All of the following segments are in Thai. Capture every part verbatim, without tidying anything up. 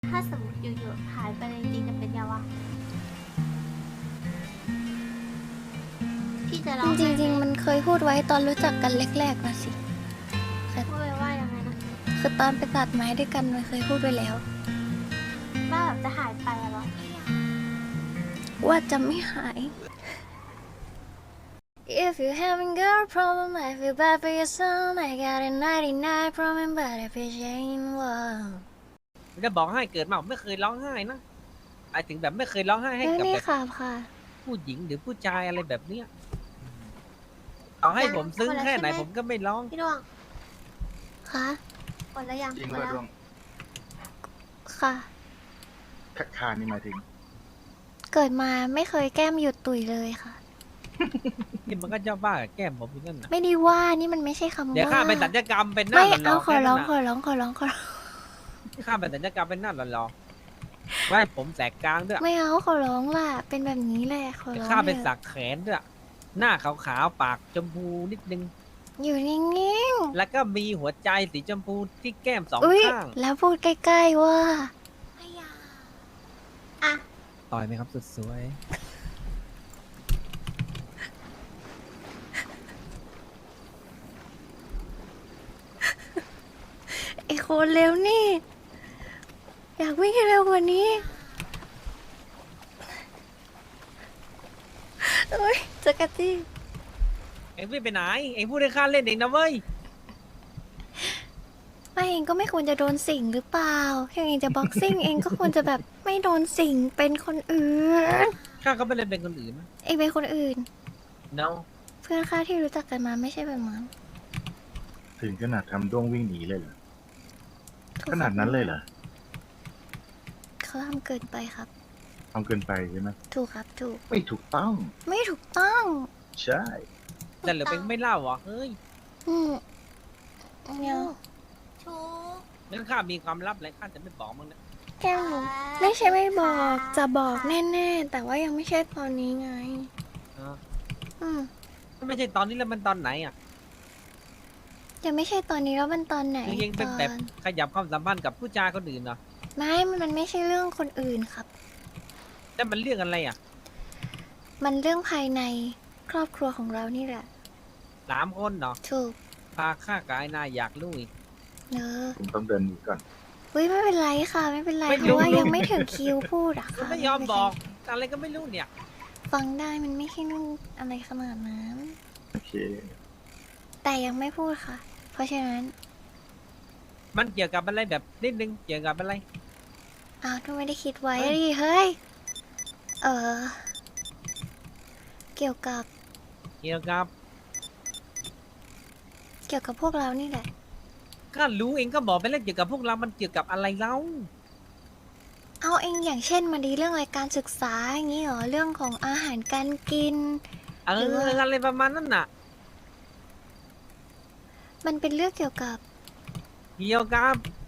ถ้าสมมติอยู่ๆหายไปเลยจริงๆจะเป็นยังวะพี่จะร้องจไห้ไหริงๆ มันเคยพูดไว้ตอนรู้จักกันแรกๆนะสิพูดไปว่ายังไงนะคือตอนไปตัดไม้ด้วยกันมันเคยพูดไว้แล้วว่าแบบจะหายไปอะเหรอว่าจะไม่หาย If you having girl problem I feel bad for your son I got a ninety-nine problem but if it ain't one จะบอกให้เกิดมาผมไม่เคยร้องไห้นะหมายถึงแบบไม่เคยร้องไห้ให้เรื่องกับนี้แบบค่ะค่ะผู้หญิงหรือผู้ชายอะไรแบบเนี้ยเอาให้ผมซึ้งแค่ไหนผมก็ไม่ร้องพี่ดวงค่ะกดแล้วยังจริงกดว่าแล้วดวงค่ะคัดคานี่หมายถึงเกิดมาไม่เคยแก้มหยุดตุยเลยค่ะนี่มันก็เจ้าบ้ากับแก้มผมอยู่นั่นน่ะไม่ได้ว่านี่มันไม่ใช่คำว่าเดี๋ยวข้าไปสัญญกรรมเป็นหน้าไม่หล่เอาอขๆอแค่ร้นั้องนขอน่ะร้องขอร้องขอร้องข้าไปสัญญกรรมเป็นหน้าหล่อๆไว้ผมแสกกลางด้วยไม่เอาขอร้องล่ะ เป็นแบบนี้แหละขอร้องข้าเป็นถอะสักแขนด้วยหน้าขาวๆปากชมพูนิดนึงอยู่นิ่งแล้วก็มีหัวใจสีชมพูที่แก้มสองๆอุ้ยข้างแล้วพูดใกล้ๆว่าอ่ะต่อยไหมครับสุดสวยไอ้โคนเร็วนี่ อยากวิ่งให้เร็วกว่านี้เอ้ยจักรจี้เอ็งไม่ไปไหนเอ็งพูดให้ข้าเล่นเองนะเว้ยไม่เองก็ไม่ควรจะโดนสิงหรือเปล่าถ้าเองจะบ็อกซิ่ง เองก็ควรจะแบบไม่โดนสิงเป็นคนอื่นข้าก็ไม่เล่นเป็นคนอื่นนะเองเป็นคนอื่น no เพื่อนข้าที่รู้จักกันมาไม่ใช่แบบนั้นถึงขนาดทำด้วงวิ่งหนีเลยเหรอ ขนาดนั้นเลยเหรอเขาทำเกินไปครับทำเกินไปใช่ไหมถูกครับถูกไม่ถูกต้องไม่ถูกต้องใช่แต่เหลือเป็นไม่เล่าเหรอเฮ้ยอืมเนี่ยชูงั้นข้ามีความลับอะไรข้าจะไม่บอกมึงนะแก้มหนูไม่ใช่ไม่บอกจะบอกแน่ๆ แต่ว่ายังไม่ใช่ตอนนี้ไงอ่าอืมไม่ใช่ตอนนี้แล้วมันตอนไหนอ่ะยังไม่ใช่ตอนนี้แล้วมันตอนไหนคือยังเป็นตอนแบบขยับความสัมพันธ์กับผู้ชายคนอื่นเหรอไม่มันไม่ใช่เรื่องคนอื่นครับแต่มันเรื่องอะไรอ่ะมันเรื่องภายในครอบครัวของเรานี่แหละสามคนเนาะถูกพาข้ากายนาอยากรู้อีกเนอะผมต้องเดินหนีก่อนเฮ้ยไม่เป็นไรค่ะ ไม่เป็นไรไม่เพรู้ราะว่ายังไม่ถึงคิวพูดอะมันค่ะไม่ยอมบอก อะไรก็ไม่รู้เนี่ยฟังได้มันไม่ใช่เรื่องอะไรขนาดนั้นโอเคแต่ยังไม่พูดค่ะ เพราะฉะนั้นมันเกี่ยวกับอะไรแบบนิดนึงเกี่ยวกับอะไรอ้าวก็ไม่ได้คิดไว้เฮ้ยดิเฮ้ย เออ เกี่ยวกับเกี่ยวกับเกี่ยวกับพวกเรานี่แหละข้ารู้เองก็บอกไปแล้วเกี่ยวกับพวกเรา มันเกี่ยวกับอะไรเล่าเอาเองอย่างเช่นมาดีเรื่องรายการศึกษาอย่างนี้เหรอเรื่องของอาหารการกินเอหรืออว่าอะไรประมาณนั้นน่ะมันเป็นเรื่องเกี่ยวกับเกี่ยวกับ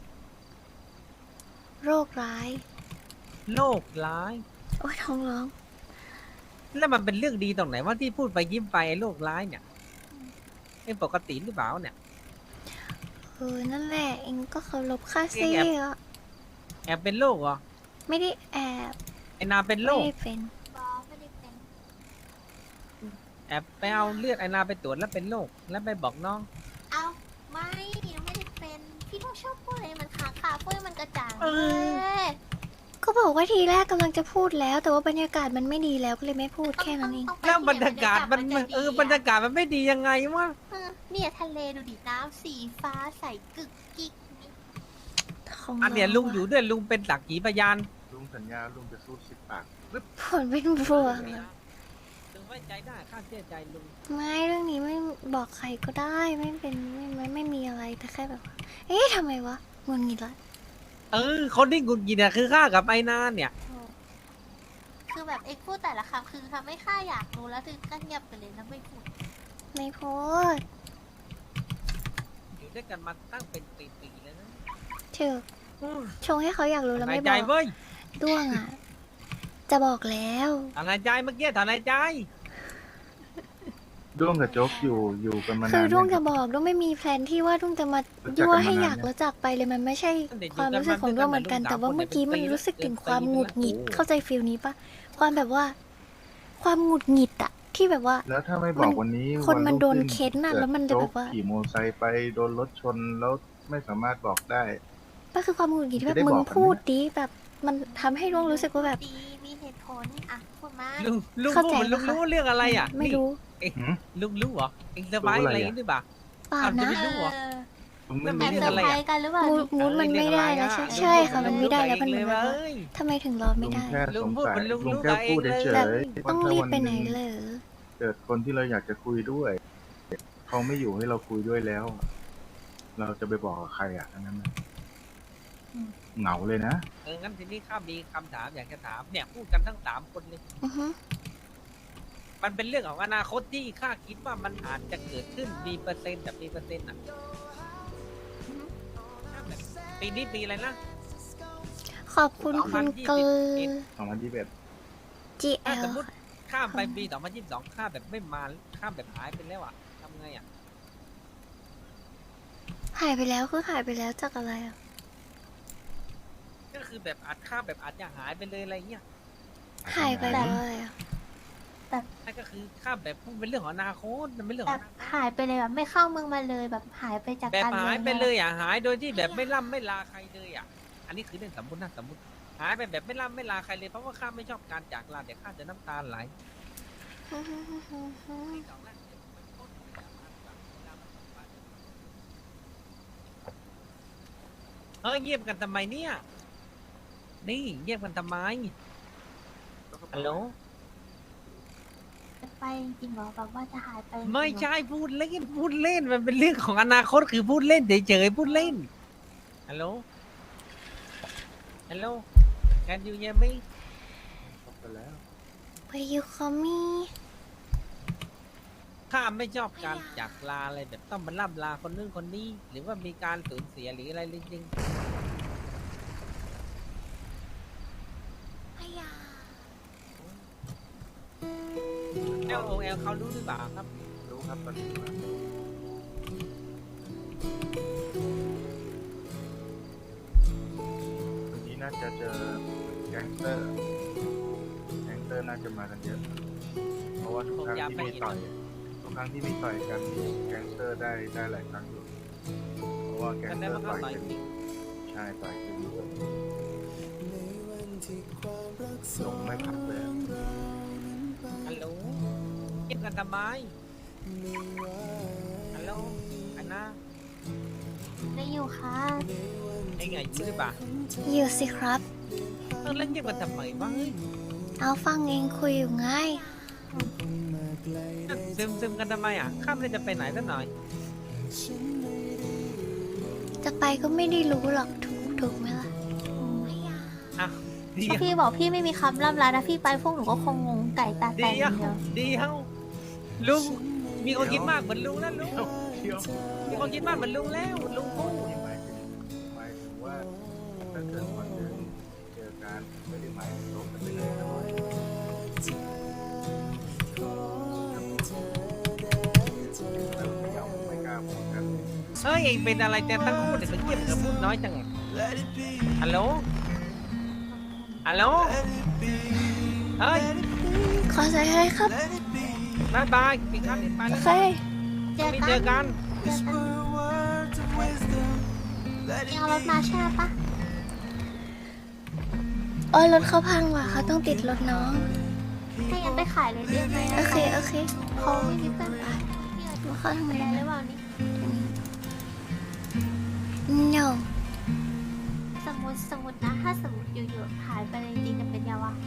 โรคร้ายโลกร้ายโอ้ยท้องร้องแล้วมันเป็นเรื่องดีตรงไหนว่าที่พูดไปยิ้มไปไอ้โลกร้ายเนี่ยเป็นปกติหรือเปล่าเนี่ยเออนั่นแหละเองก็เคารพค่าซี่เองแอบอะแอบเป็นโรคเหรอไม่ได้แอบไอ้นาเป็นโรไม่คได้เป็นบอไม่ได้เป็นแอบไปเอาเลือดไอ้นาไปตรวจแล้วเป็นโรคแล้วไปบอกน้องเอาไม่ยังไม่ได้เป็น พี่ต้องชอบพูดอะไรมันขาขาพูดให้มันกระจ่างเอเลอยก็บอกว่าทีแรกกำลังจะพูดแล้ว แต่ว่าบรรยากาศมันไม่ดีแล้วก็เลยไม่พูดแค่นั้นเองต้ไปแล้วบรรยากาศมันจะดีเออบรรยากาศมันไม่ดียังไงวะเออเนี่ยทะเลดูดิน้ำสีฟ้าใสกึกกิกนี่ของอันเนี้ยราลุงอยู่ด้วยลุงเป็นสักขีพยานลุงสัญญาลุงจะสู้สิบปากผลเป็นบวกอะลุงไว้ใจได้ข้าเชื่อใจลุงไม่เรื่องนี้ไม่บอกใครก็ได้ไม่เป็นไม่ไม่ไม่มีอะไรแต่แค่แบบว่าเอ๊ะทำไมวะงุนงิดละเออคนที่หงุดหงิดเนี่ยคือข้ากับไอ้นาเนี่ยคือแบบเอ็กพูดแต่ละคำคือทำให้ข้าอยากรู้แล้วถึงก็เงียบไปเลยแล้วไม่พูดไม่พูดอยู่ด้วยกันมาตั้งเป็นปีๆแล้วนะเถือชงให้เขาอยากรู้แล้วถอนไม่หายบใจอกเว้ยด้วงอ่ะ จะบอกแล้วถอนหายใจเมื่อกี้ถอนหายใจด้วงกับโจ๊กอยู่อยู่กันมาคืนาอน ด้วงไหมคจะรับบอกด้วงไม่มีแพลนที่ว่าด้วงจะมารู้จักยั่วกันให้มานานอยากยังรู้จักไปเลยมันไม่ใช่ตั้งแต่อยู่ความรู้สึกของด้วงเหมือนกันกันมาแต่ว่าด้วยกันเมื่อกี้มันเป็นปีรู้สึกถึงความเป็นปีหงุดหงิดโอ้เข้าใจฟีลนี้ปะความแบบว่า ความหงุดหงิดอะที่แบบว่าแล้วถ้าไม่บอกวันนี้คนมันวัโดนรุ่งเค้นน่ะกิดแล้วมันจะโจ๊แบกบว่าขี่มอเตอร์ไซค์ไปโดนรถชนแล้วไม่สามารถบอกได้ก็คือความหงุดหงิดที่แบจะได้บมึงบอกกันไหมพูดดีแบบมันทำให้ด้วงรู้สึกว่าแบบดีมีเหตุผลอ่ะพูดมาลุงลุงเข้าพูดใจเหมือนลุงปะคะรู้เรื่องอะไรอ่ะไม่นี่รู้หืมลุงรู้เหรอเองสบายรู้อะอะไร ไรอย่างอะนี้หรือเปล่าเปล่าอ้าวจะนะไม่รู้เหรอมึงไม่แล้รู้วแอบเรื่เซองออะไรอะร์ไพรส์กันหรือเปล่ามูดมูดมันไม่ได้แล้วใช่ใช่ค่ะมันไม่ได้แล้วมันเหมือนแบบว่าทำไมถึงรอไม่ลุงได้แค่ลุสงงพูดสัยเหมือนลุงลุงรู้แค่กับเองพูดเลยเฉแบบยต้องว่ารีบถ้าไปไหนวัเหรอเกิดคนที่เราอยากจะคุยด้วย เขาไม่อยู่ให้เราคุยด้วยแล้ว เราจะไปบอกกับใครอ่ะทั้งนั้นน่ะเหงาเลยนะเอองั้นทีนี้ข้ามีคำถามอยากจะถามเนี่ยพูดกันทั้งสามคนเลยอือฮึมันเป็นเรื่องของอนาคตที่ข้าคิดว่ามันอาจจะเกิดขึ้นมีเปอร์เซ็นต์แบบมีเปอร์เซ็นต์อ่ะแบบปีนี้ปีอะไรนะขอบคุณคุณเกลสองพันยี่สิบเอ็ดจีเอถ้าลสมมติข้ามไปปีสองพันยี่สิบสองข้ามแบบไม่มาข้ามแบบหายไปแล้วอ่ะทำไงอ่ะหายไปแล้วคือหายไปแล้วจากอะไรอ่ะก็คือแบบอาจข้ามแบบอาจจะหายไปเลยอะไรเงี้ยหายไปแล้วอะไรอ่ะนั่นก็คือข้ามแบบมันเป็นเรื่องของอนาคตมันเป็นเรื่องแบของบอนาคตหายไปเลยแบบไม่เข้าเมืองมาเลยแบบหายไปจากแบบการหายไปมืองเลยอ่ะหายโดยที่แบบไม่ล่ำไม่ลาใครเลยอ่ะ อันนี้คือเรื่องสมมตินะสมมติ หายไปแบบไม่ล่ำไม่ลาใครเลยเพราะว่าข้าไม่ชอบการจากลาเดี๋ยวข้าจะน้ำตาไหลเฮ้ยเงียบกันทำไมเนี่ย นี่เงียบกันทำไมฮัลโหลไปจริงๆเหรอแบบว่าจะหายไปจริงๆเหรอไม่ใช่พูดเล่นพูดเล่นมันเป็นเรื่องของอนาคตคือพูดเล่นเฉยๆพูดเล่นฮัลโหลฮัลโหล can you hear me ไปแล้ว Where you call me ข้าไม่ชอบการจากลาอะไรแบบต้องมาล่ำลาคนนึงคนนี้ หรือว่ามีการสูญเสียหรืออะไรจริงๆ L O L เขารู้หรือเปล่าครับรู้ครับตอนนี้ว่าวันนี้น่าจะเจอแก๊งสเตอร์ แก๊งสเตอร์น่าจะมากันเยอะ เพราะว่าทุกครั้งที่มีต่อย ทุกครั้งที่มีต่อยกันแก๊งสเตอร์ได้ได้หลายครั้งอยู่ เพราะว่าแก๊งกันสได้เตอว่าร์เขาต่อยต่อยกันจริงใช่ต่อยกันอยู่ลงไม่พักเลยอะฮัลโหลเงียบกันทำไมฮัลโหลอันน่าได้อยู่ค่ะไอ้ไงอยู่หรือเปล่าอยู่สิครับเออแล้วเงียบกันทำไมวะเฮ้ยเอาฟังเองคุยอยู่ไงซึมซึมกันทำไมอ่ะข้ามเลยจะไปไหนสักหน่อยจะไปก็ไม่ได้รู้หรอกถูกถูกไหมล่ะอ่ะดีถ้าพี่บอกพี่ไม่มีคำล่ำลานะพี่ไปพวกหนูก็คงงงไก่ตาแตดีกอเอ้าย่างเดียวดีเอ้าลุงมีคนคิดมากเหมือนลุงนะลุงเดี๋ยวมีคนคิดมากเหมือนลุงแล้วลุงพูดหมายถึงหมายถึงว่าถ้าเกิดวันหนึ่งเจอกันไม่ได้หมายถึงลบกันไปเลยนะเราไม่ยอมไม่กล้าพูดกันเฮ้ยเองเป็นอะไรแต่ทั้งคู่เนี่ยมันเงียบกับพูดน้อยจังอะฮัลโหลฮัลโหลเฮ้ยขอใส่ให้ครับบายบายปิดครับปิดไปโอแล้วเคเจอไม่กันเจอกันเจอกันยังเอารถมาใช่ไหมปะโอ้ยรถเขาพังว่ะเขาต้องติดรถน้องให้ยันไปขายเลยได้ไหมโอเค โอเคเขาไม่มีเพื่อนขายพี่อาจจะเข้าทางไหนได้หรือนะเปล่านี่ no สมมติสมมตินะถ้าสมมติอยู่ๆหายไปเลยจริงๆจะเป็นยังวะ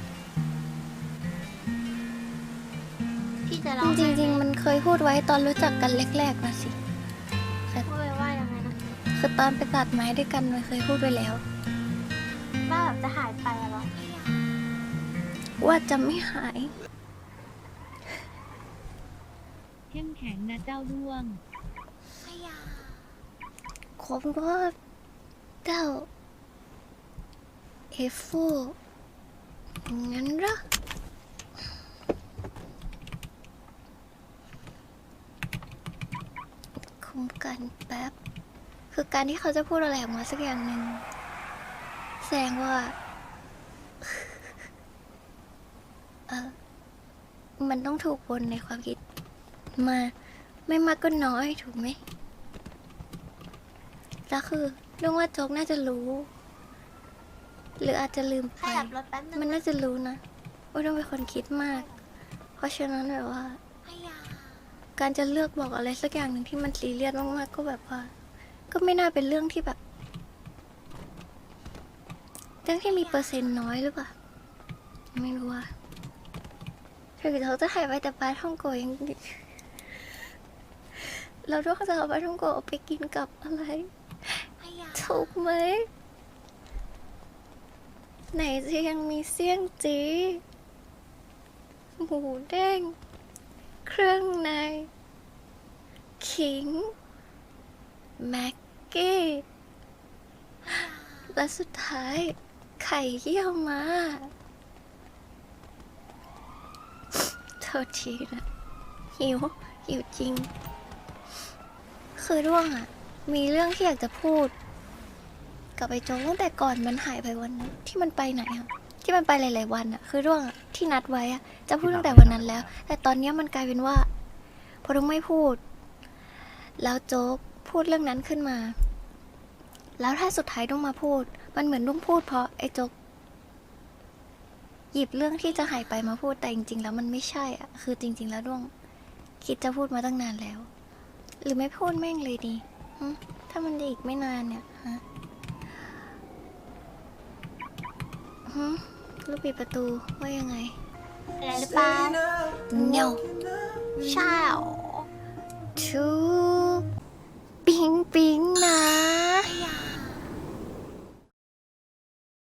พี่จะร้องจริงๆ มันเคยพูดไว้ตอนรู้จักกันแรกๆนะสิพูดไปว่ายังไงนะคือตอนไปตัดไม้ด้วยกันมันเคยพูดไว้แล้วว่าแบบจะหายไปอะเหรอว่าจะไม่หายเข้มแข็งนะเจ้าด้วงผมก็เจ้าเอฟฟูงั้นเหรอกันแป๊บ คือการที่เขาจะพูดอะไรออกมาสักอย่างหนึ่งแสดงว่า เออมันต้องถูกวนในความคิด มา ไม่มากก็น้อยถูกไหมแล้วคือเรื่องว่าโจ๊กน่าจะรู้ หรืออาจจะลืมขไปยับรถแป๊บนึงมันน่าจะรู้นะว่าต้องเป็นคนคิดมาก เพราะฉะนั้นแบบว่าขยับการจะเลือกบอกอะไรสักอย่างหนึ่งที่มันซีเรียสมากๆก็แบบว่า ก็ไม่น่าเป็นเรื่องที่แบบ เรื่องที่มีเปอร์เซ็นต์น้อยหรือเปล่าไม่รู้ว่าถึงเขาจะหายไปแต่ปลาท่องโกยัง เราต้องจะเอาปลาท่องโกเอาไปกินกับอะไรขยับถูกไหม ไหนจะยังมีเสี่ยงจี หมูเด้ง เครื่องใน ขิง แม็กกี้ และสุดท้าย ไข่เยี่ยวมาโทษทีนะ หิว หิวจริง คือร่วงอะมีเรื่องที่อยากจะพูด กับไอ้โจ๊กตั้งแต่ก่อนมันหายไปวันนั้นที่มันไปไหนอะที่มันไปหลาย ๆ วันอะคือร่วงอะที่นัดไว้อะจะพูดตั้งแต่วันนั้นแล้ว แต่ตอนเนี้ยมันกลายเป็นว่า พอต้องไม่พูด แล้วโจ๊กพูดเรื่องนั้นขึ้นมา แล้วถ้าสุดท้ายต้องมาพูด มันเหมือนต้องพูดเพราะไอ้โจ๊กหยิบเรื่องที่จะหายไปมาพูดแต่จริง ๆ แล้วมันไม่ใช่อะคือจริง ๆ แล้วด้วงคิดจะพูดมาตั้งนานแล้ว หรือไม่พูดแม่งเลยดีหึถ้ามันจะอีกไม่นานเนี่ยฮะหึลูกปิดประตูว่ายังไงอะไรหรือเปล่า no ใช่เหรอทุกปิ๊งปิ๊งนะ